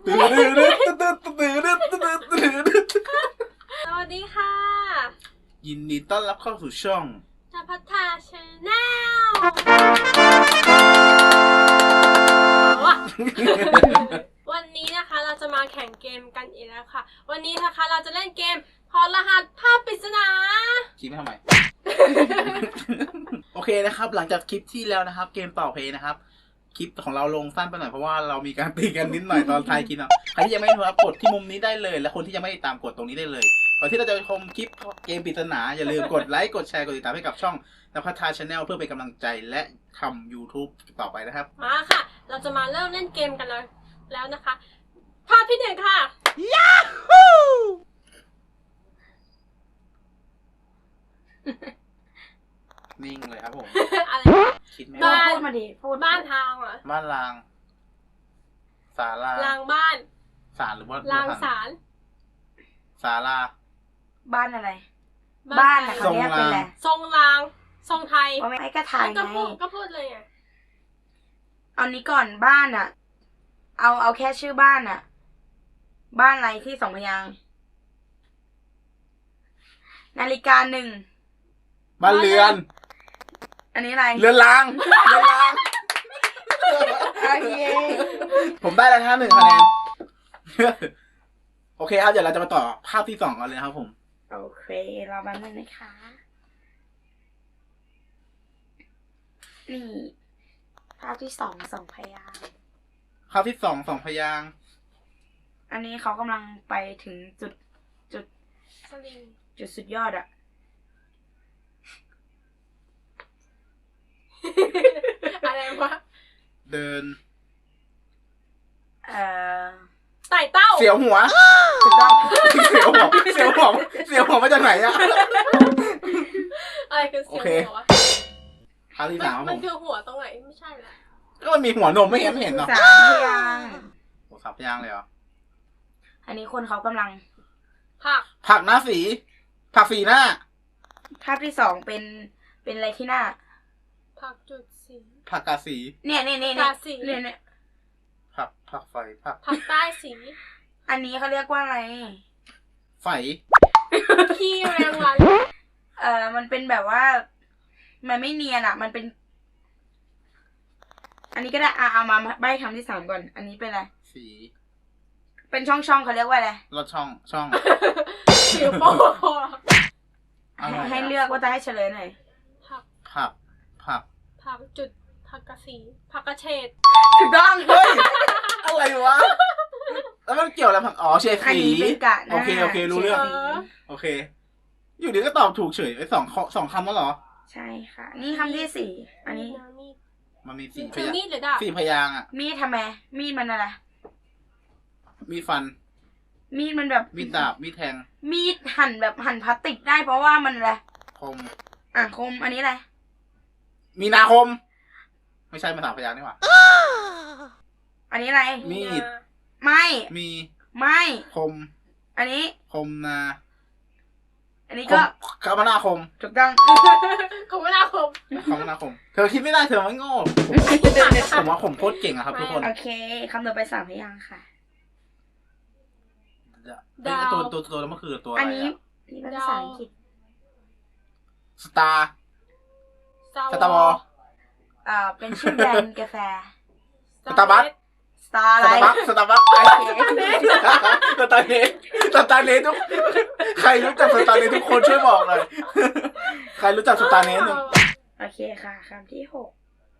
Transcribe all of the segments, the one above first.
สวัสดีค่ะยินดีต้อนรับเข้าสู่ช่องนภัททาชาแนลวันนี้นะคะเราจะมาแข่งเกมกันอีกแล้วค่ะ วันนี้นะคะเราจะเล่นเกมถอดรหัสภาพปริศนาคิดไม่ทำไม โอเคนะครับ หลังจากคลิปที่แล้วนะครับ เกมต่อเพลย์นะครับ คลิปของเราลงสั้นไปหน่อยเพราะว่าเรามีการตีกันนิดหน่อยตอนท้ายคลิปนะใครที่ยังไม่ดูครับกดที่มุมนี้ได้เลย และคนที่ยังไม่ติดตามกดตรงนี้ได้เลยก่อนที่เราจะไปชมคลิปเกมปริศนาอย่าลืมกดไลค์กดแชร์กดติดตามให้กับช่องนภัททาชาแนลเพื่อเป็นกำลังใจและทำ YouTube ต่อไปนะครับมาค่ะ เราจะมาเริ่มเล่นเกมกันแล้วนะคะ ภาพที่หนึ่งค่ะนิ่งเลยครับผมอะไรคิดไม่บ้าออกพูดมาดิพูดบ้านทางเหรอบ้านรางศาลารางบ้านศาลหรือว่ารางศาลศาลาบ้านอะไร บ้านอะเขาเรียกเป็นอะไรทรงรางทรงไทยเพราะไม่ก็ถ่ายไงก็พูดเลยไงเอานี้ก่อนบ้านอะเอาแค่ชื่อบ้านอะบ้านอะไรที่สองพยางค์นาฬิกาหนึ่งบ้านเรือนอันนี้อะไรเรือนรางเรือนรางโอเคผมได้แล้วนะครับ1 คะแนน โอเคครับเดี๋ยวเราจะมาต่อภาพที่2กันเลยครับผมโอเครอแป๊บนึงนะคะนี่ภาพที่สองพยางค์ภาพที่2 2 พยางค์อันนี้เขากำลังไปถึงจุดสลิงจุดสุดยอดอะอะไรวะเดินไต่เต้าเสียวหัวถูกต้องเสียวหัวเสียวหัวเสียวหัวมาจากไหนอะอะไรคือเสียงโอเคหัววะภาพที่3ครับผมันมคือหัวตรงไหนไม่ใช่ละก็มันมีหัวนมไม่เห็นเนาะสามพยางค์โอ้3 พยางค์เลยเหรออันนี้คนเขากำลังผักผักหน้าสีผักสีหน้าภาพที่สองเป็นอะไรที่หน้าผักจุดสีผักกาสีเนี่ยราศีเนี่ยผักไฟผักผักใต้สีอันนี้เขาเรียกว่าอะไรไฟขี้แมงวันมันเป็นแบบว่า มันไม่เนียนอะมันเป็น อันนี้ก็ได้เอามาใบ้คำที่สามก่อน อันนี้เป็นอะไรสีเป็นช่องเขาเรียกว่าอะไรรถช่องผิวโป้อะไรอะให้เลือกว่าจะให้เฉลยหน่อยผักผักจุดผักกระสีผักกระเฉดถูกต้องเฮ้ย อะไรวะ แล้วมันเกี่ยวอะไรผักอ๋อเฉดอันสีนี้เป็นกะหน้าโอเครู้เรื่องฉดสีโอเค อยู่ดีก็ตอบถูกเฉยไอ้สองคำแล้วเหรอใช่ค่ะ นี่คำที่สี่ อันนี้มีดมันมี4 พถือยางมีดหรือดาบ 4 พยางค์อ่ะมีดทำไม มีดมันอะไรมีฟันมีดมันแบบมีดาบ มีแทงมีดหั่นแบบหั่นพลาสติกได้เพราะว่ามันอะไรคมคม อันนี้อะไรมีนาคม ไม่ใช่มา3 พยางค์นี่หว่าอันนี้อะไรมีดไม่มีไม่คมอันนี้คมนาอันนี้คก็มคมนาคมถูกต้องคมนาคมคมนาคม เธอคิดไม่ได้เธอไม่โง่ผมว่าผมโคตรเก่งอะครับทุกคนโอเคคำต่อไปสามพยางค์ค่ะเอ้ยตัวแล้วมันคือตัวอะอันไรนี้อะนี่เป็นภาษาอังกฤษสตาร์ สตาร์วอลเป็นชื่อแบรนด์กาแฟสตาร์บัคสตาร์อะไรสตาร์บัคโอเคสตาร์เนสทุกใครรู้จักสตาร์เนสทุกคนช่วยบอกหน่อยใครรู้จักสตาร์เนสหนึ่งโอเคค่ะคำที่หก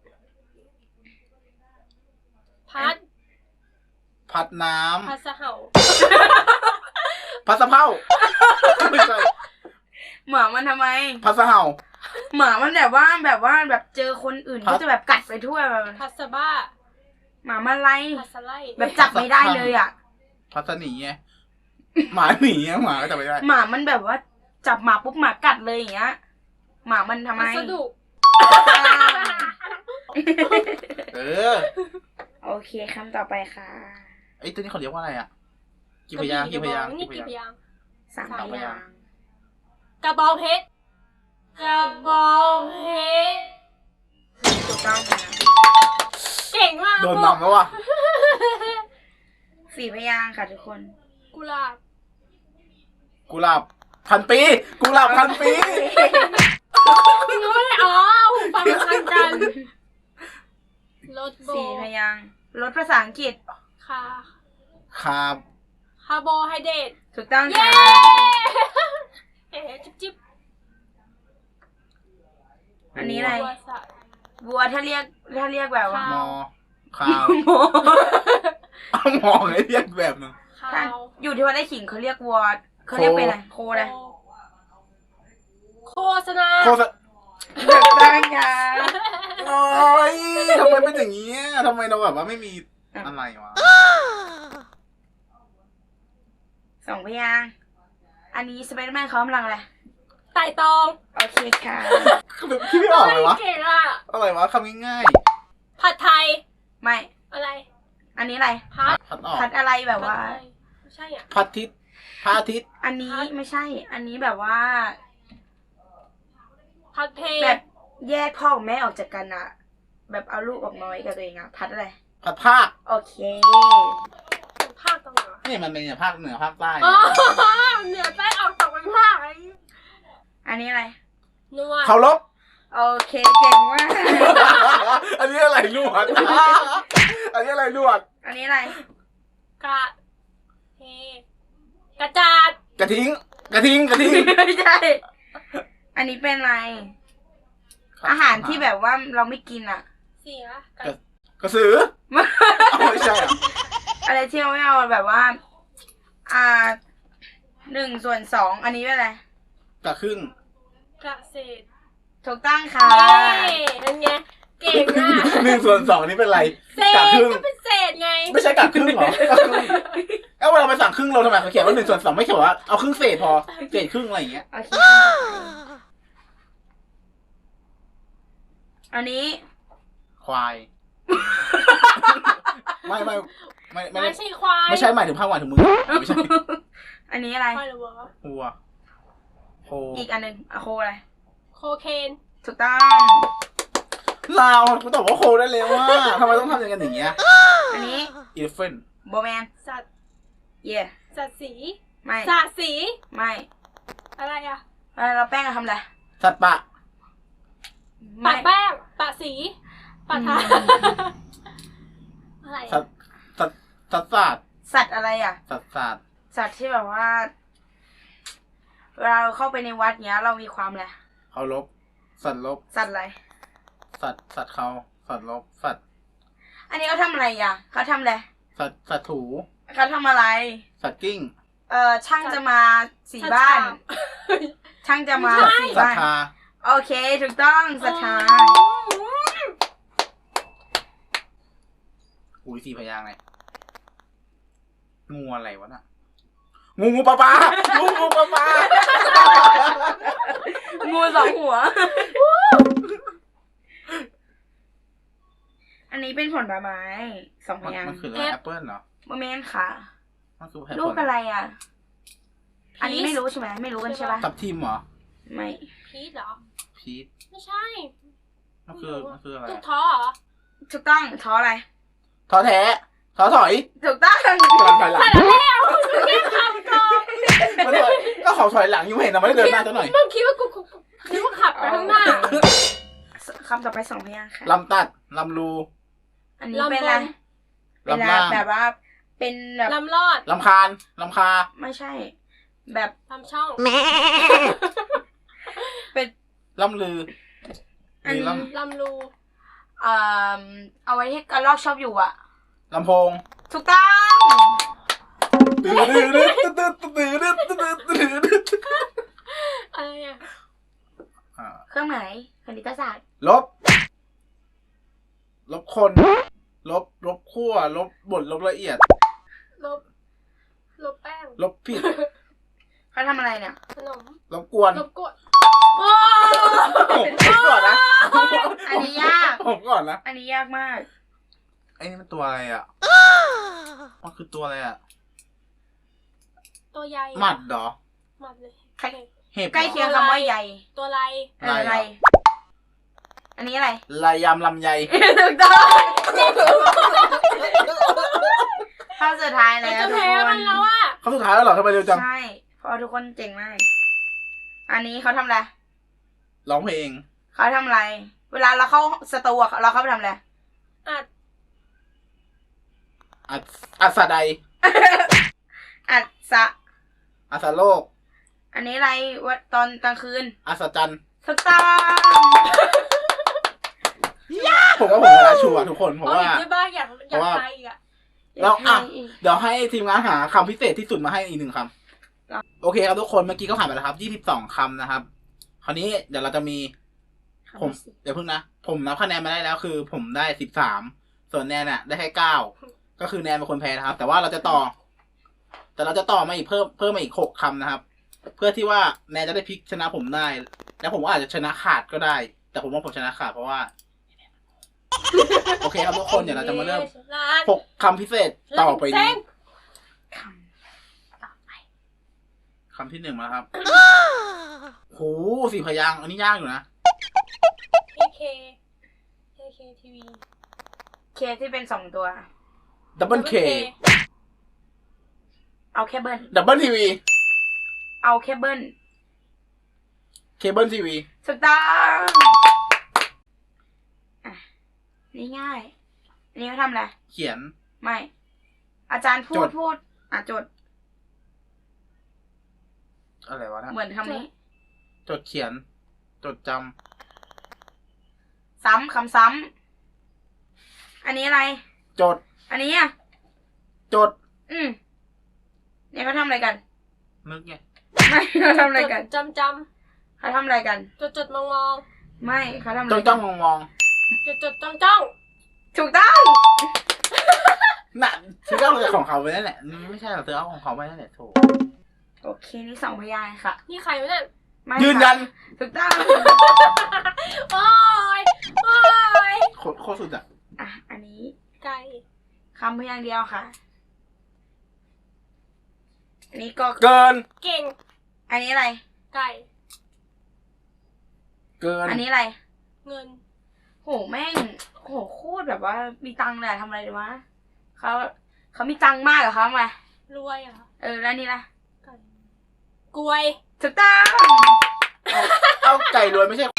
พัดน้พัดสะเห่าำพัดสะเพาไม่ใช่หมามันทำไมพัดสะเห่าหมามันแบบว่าเจอคนอื่นก็จะแบบกัดไปทั่วแบบพัดสะบ้าหมามันไล่พัดสะไลแบบจับไม่ได้เลยอ่ะพัดสะหนีไงหมาหนีไงหมาก็จับไม่ได้หมามันแบบว่าจับหมาปุ๊บหมากัดเลยอย่างเงี้ย หมามันทำไมพัสดุเออโอเคคำต่อไปค่ะไอ้ตัวนี้เขาเรียกว่าอะไรอ่ะกี่พยางค์นี่กี่พยางค์สามพยางค์กระบองเพชรกระบองเพชรถูกต้องค่ะเก่งมากโดนนำแล้วว่ะ 4 พยางค์ค่ะทุกคนกุหลาบกุหลาบพันปีกุหลาบพันปีไม่อ๋อฟังทันกันรถโบ 4 พยางค์รถภาษาอังกฤษคาคาบคาร์โบไฮเดรตถูกต้องเย้ค่ะเอ๊ะจิ๊บอันนี้อะไรบัวสัตว์วัวถ้าเรียกแบบว่ามอคาวโมเอามองให้เรียกแบบหนึงข้าถ้าว อยู่ที่วัดไร่ขิงเขาเรียกวัวเขาเรียกเป็นอะไรโคอะไรโฆษณาโคตรถูกต้องค่ะโอ้ยทำไมเป็นอย่างนี้ทำไมเราแบบว่าไม่มีอะไรวะ 2 พยางค์อันนี้สไปเดอร์แมนเขากำลังอะไรไต่ตองโอเคค่ะคือแบบคิดไม่ออกเลยวะเก่งอ่ะอะไรวะคำง่ายผัดไทยไม่อะไรอันนี้อะไรพัดๆพัดออกพัดอะไรแบบว่าผัดไทยไม่ใช่อ่ะพัดทิศพระอาทิตย์อันนี้ไม่ใช่ อันนี้แบบว่าพัดเพลแบบแยกพ่อกับแม่ออกจากกันอะแบบเอาลูกออกมาไว้กับตัวเองอะพัดอะไรพัดภาคโอเคภาคตรงไหนวะนี่มันเป็นอย่างภาคเหนือภาคใต้อ๋อเหนือใต้ออกตกเป็นภาคไอ้อันนี้อะไรนวดเคารพโอเคเก่งมากอันนี้อะไรลวด อันนี้อะไรลวดอันนี้อะไรกระเทกระจาดกระทิงกระทิงกระทิงไม่ใช่ อันนี้เป็นอะไร อาหารที่แบบว่าเราไม่กินอะเสียกระสือเอาไม่ใช่เหรออะไรที่เราไม่เอาแบบว่า 1/2อันนี้เป็นอะไรกระครึ่งกระเศษถูกต้องค่ะเย้นั่นไงเก่งอ่ะ 1/2นี่เป็นไรเศกะษครึ่งก็เป็นเศษไงไม่ใช่กะครึ่งเหรอกะครึ่งเอ้าเวลาไปสั่งครึ่งเราทำไมเขาเขียนว่า1/2ไม่เขียนว่าเอาครึ่งเศษพอเศษครึ่งอะไรอย่างเงี้ยโอเคอันนี้ควาย ไม่ไม่ไม่ไม่ไม่ใช่ควายไม่ใช่หมายถึงภาคหมายถึงมือไม่ใช่อันนี้อะไรควายหรือวัววัวโคอีกอันหนึ่งอะโคอะไรโคเคนถูกต้องลาวกูตอบว่าโคได้เลยว่าทำไมต้องทำอย่างเงี้ยอันนี้อีเลฟเฟนโบแมนสัตว์เย่สัตว์สีไม่สัตว์สีไม่อะไรอ่ะเราแป้งอะทำอะไรสัตว์ปะปะแป้งปะสีปะทาอะไรสัอะตว์สัตว์สัตว์ศาสตร์สัตว์อะไรอ่ะสัตว์ศาสตร์สัตว์ที่แบบว่าเวลาเราเข้าไปในวัดเนี้ย เรามีความอะไรเคารพสัตว์ลบสัตว์อะไรสัตว์เขาสัตว์ลบสัตว์อันนี้เขาทำอะไรอ่ะเขาทำอะไรสัตว์ถูเขาทำอะไรสัตว์กิ้งช่างจะมาสีบ้าน ช่างจะมาสีสัตบ้านว์ทาโอเค ถูกต้องศรัทธาอุ้ย4 พยางค์ไงงูอะไรวะน่ะงูปลาปลางูปลาปลางูสองหัว อันนี้เป็นผลไม้2 พยางมันค์คืออะไรแอปเปิ้ลเหรอโมเมนต์ค่ะมันคือลูกอะไรอ่ะ อันนี้ไม่รู้ใช่ไหมไม่รู้กันใช่ปะทับทิมเหรอไม่พีชเหรอพีชไม่ใช่มันคืออะไรตุกอะท้อเหรอถูกต้องท้ออะไรท้อแท้ท้อถอยถูกต้องกำลังถอยหลังแต่แล้วแค่คำก่อนมันถอยก็เขาถอยหลังอยู่ไม่เห็นนะไม่ได้เดินหน้าซะหน่อยมึงคิดว่ากูคิดว่าขับไปข้างหน้าคำต่อไป2 พยางค์ค่ะลำตัดลำรูอันนี้เป็นอะไรเป็นลำล่างแบบว่าเป็นแบบลำรอดลำคาญลำคาไม่ใช่ แบบลำช่องเป็นล่ำลืออันนี้ลำรูเอาไว้ที่กระรอกชอบอยู่อ่ะลำโพงถูกต้องตื้อตื้อตื้อตื้อตื้อตื้อตื้อตื้อตื้ออะไรอ่ะเครื่องหมายคณิตศาสตร์ลบคนลบขั้วลบบดลบละเอียดลบแป้งลบผิดเขาทำอะไรเนี่ยขนมลบกวนลบกดผมก่อนนะอันนี้ยากผมก่อนนะอันนี้ยากมากไอ้นี่มันตัวอะไรอ่ะมันคือตัวอะไรอ่ะตัวใหญ่หมัดเหรอหมัดเลยเห็บใกล้เคียงคำว่าใหญ่ตัวไรอะไร อันนี้อะไรลายยำลำไยถูกต้องข้อสุดท้ายเราแล้วจะทุกแพ้คมัน นแล้วอ่ะเขาสุดท้ายแล้วเหรอทำไมเร็วจังใช่เพราะทุกคนเจ๋งมาก อันนี้เขาทำอะไรร้องเพลงเขาทำอะไร เวลาเราเข้าสตูอะเราเข้าไปทำอะไรอัดอัศใดอัดสะอัศโลกอันนี้อะไรว่าตอนกลางคืนอัศจันทร์ถูกต้องผมว่าผมชนะชัวร์ทุกคนเพราะว่าอีกด้วยบ้างอยากเพราะว่าไปอีกอ่ะแล้วอ่ะให้อีกเดี๋ยวให้ทีมงานหาคำพิเศษที่สุดมาให้อีก1 คำโอเคครับทุกคนเมื่อกี้ก็ผ่านไปแล้วครับ22 คำนะครับ คราวนี้เดี๋ยวเราจะมีผมเดี๋ยวเพิ่งนะ ผมนับคะแนนมาได้แล้วคือ ผมได้13ส่วนแนนน่ะได้แค่9ก็คือแนนเป็นคนแพ้นะครับ แต่ว่าเราจะต่อมาอีกเพิ่มมาอีก6 คำนะครับ เพื่อที่ว่าแนนจะได้พลิกชนะผมได้ แล้วผมก็อาจจะชนะขาดก็ได้ แต่ผมว่าผมชนะขาดเพราะว่า โอเคครับทุกคนเดี๋ยวเราจะมาเริ่ม6 คำพิเศษต่อไปนี้คำต่อไปคำที่ 1มาครับ โห4 พยางค์อันนี้ยากอยู่นะ AK TV เคที่เป็น2 ตัวดับเบิลเคเอาแค่เบิ้ลดับเบิลทีวีเอาแค่เบิ้ลเคเบิลทีวีถูกต้องอ่ะนี่ง่ายอันนี้เขาทำอะไรเขียนไม่ อาจารย์พูจดดจดอะไรวะนะเหมือนคำนี้จดเขียน จดจซ้ำคำซ้ำอันนี้อะไรำจดอันนี้อ่ะจดเนี่ยเขาทำอะไรกันนึกไงไม่เขาทำอะไรกันจำเขาทำอะไรกันจดมองไม่เขาทำอะไรจ้องกัจ้อน งมองมองจดจ้องถูกต้องน่ะเธอเอาของเขาไปนั่นแหละไม่ใช่หรอกเธอเอาของเขาไปนั่นแหละโถโอเคนี่2 พยางค์ค่ะนี่ใครวะเนี่ยไม่ยืนยันค่ะถูกต้องโอ้ยโคตรสุดอ่ะอ่ะอันนี้ไก่คำพยางค์เดียวค่ะ อันนี้ก็เกินเก่งอันนี้อะไรไก่เกินอันนี้อะไรเงินโหแม่งโหโคตรแบบว่ามีตังค์เลยอะทำอะไรดีวะเขามีตังค์มากเหรอคะมารวยเหรอแล้วนี่ล่ะไก่กล้วยถูกต้องเอาไก่รวยไม่ใช่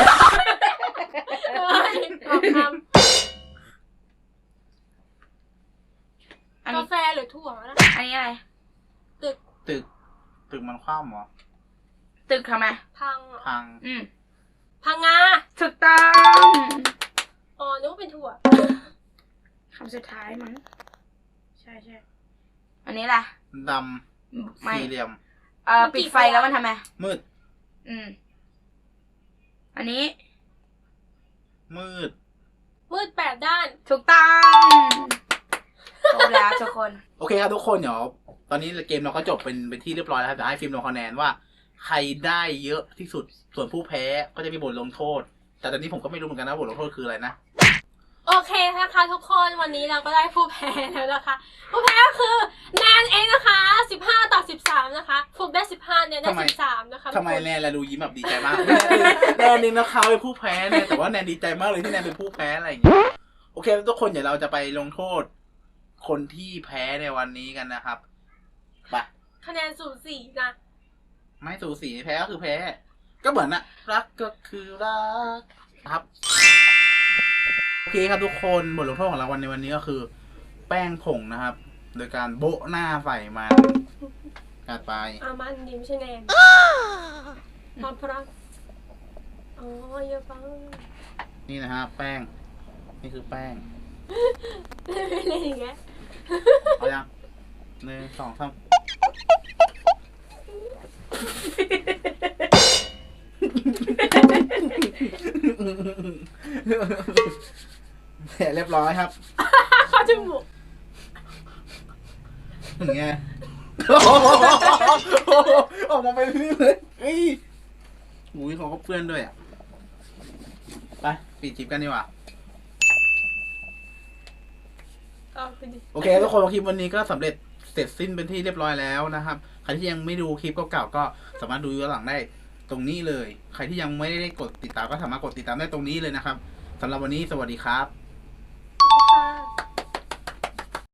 เอ้ยออกคอันำนี้กาแฟหรือถั่วนะอันนี้อะไรตึกมันคว่ำเหรอตึกทำไมพังเหรอพังพังงาถูกต้องอ๋อนึกว่าเป็นถั่วคำสุดท้ายมั้งใช่อันนี้ล่ะดไม่ำสี่เหลี่ยมปิดไฟแล้วมันทำไมมืดอันนี้มืดมืด8 ด้านถูกต้องครบแล้วทุกคนโอเคครับทุกคนเดี๋ยวตอนนี้เกมเราก็จบเป็นที่เรียบร้อยแล้วครับเดี๋ยวให้ฟิล์มลงคะแนนว่าใครได้เยอะที่สุดส่วนผู้แพ้ก็จะมีบทลงโทษ แต่ตอนนี้ผมก็ไม่รู้เหมือนกันนะบทลงโทษคืออะไรนะโอเคนะคะทุกคนวันนี้เราก็ได้ผู้แพ้แล้วนะคะ ผู้แพ้ก็คือแนนเองนะคะ15-13นะคะฟุกได้15เนี่ยได้13นะคะทำไมแนนละดูยิ้มแบบดีใจมาก แนนนี่นะคะเป็นผู้แพ้เนี่ยแต่ว่าแนนดีใจมากเลยที่แนนเป็นผู้แพ้อะไรอย่างเงี้ยโอเคทุกคนเดี๋ยวเราจะไปลงโทษ คนที่แพ้ในวันนี้กันนะครับไปคะแนนสูสีนะไม่สูสีแพ้ก็คือแพ้ ก็เหมือนนะรักก็คือรักครับโอเคครับทุกคนบทลงโทษของเราในวันนี้ก็คือ แป้งผงนะครับ โดยการโบะหน้าใส่มันจัดไปมันดีไม่ใช่แนนพร้อมพร้อมอ๋อเยอะปังนี่นะฮะแป้ง นี่คือแป้งไม่เล่นอย่างเงี้ยเอายัง1 2 3เสร็จเรียบร้อยครับเข้าจมูกอย่างเงี้ยออกมาเป็นนี่เลยอุ้ยเขาก็เพื่อนด้วยอ่ะไปปิดคลิปกันดีกว่าเอาไปดิโอเคทุกคนคลิปวันนี้ก็สำเร็จเสร็จสิ้นเป็นที่เรียบร้อยแล้วนะครับใครที่ยังไม่ดูคลิปเก่าๆก็สามารถดูย้อนหลังได้ตรงนี้เลยใครที่ยังไม่ได้กดติดตามก็สามารถกดติดตามได้ตรงนี้เลยนะครับสำหรับวันนี้สวัสดีครับค่ะ